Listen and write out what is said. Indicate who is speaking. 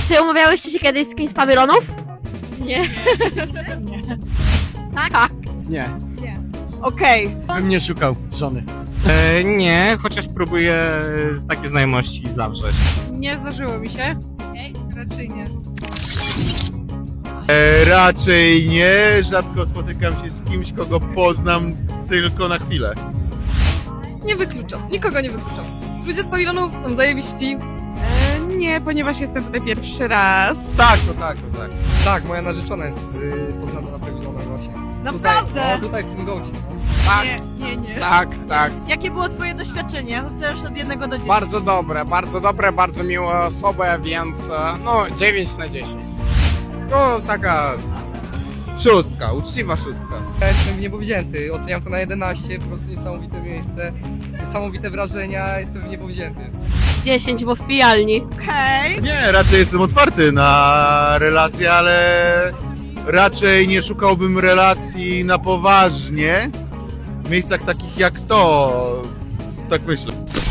Speaker 1: Czy umawiałyście się kiedyś z kimś z pawilonów?
Speaker 2: Nie.
Speaker 1: Tak?
Speaker 3: Nie,
Speaker 2: Okej.
Speaker 3: bym nie szukał żony.
Speaker 4: Nie, chociaż próbuję takie znajomości zawrzeć.
Speaker 2: Nie zdarzyło mi się. Raczej nie.
Speaker 5: Raczej nie, rzadko spotykam się z kimś, kogo poznam tylko na chwilę.
Speaker 6: Nie wykluczam, nikogo nie wykluczam. Ludzie z pawilonów są zajebiści.
Speaker 2: Nie, ponieważ jestem tutaj pierwszy raz.
Speaker 7: Tak. Tak, moja narzeczona jest poznana na pawilonach właśnie.
Speaker 2: Naprawdę?
Speaker 7: Tutaj, tutaj w tym gołcie.
Speaker 8: Tak,
Speaker 2: Nie.
Speaker 8: tak.
Speaker 2: Jakie było twoje doświadczenie? Chcesz od 1 do 10?
Speaker 8: Bardzo dobre, bardzo miłe osoby, więc no 9 na 10.
Speaker 7: No, taka szóstka, uczciwa szóstka. Ja jestem w niebo wzięty, oceniam to na 11, po prostu niesamowite miejsce, niesamowite wrażenia, jestem w niebo wzięty.
Speaker 1: 10, bo w pijalni.
Speaker 2: Okej.
Speaker 5: Nie, raczej jestem otwarty na relacje, ale raczej nie szukałbym relacji na poważnie w miejscach takich jak to. Tak myślę.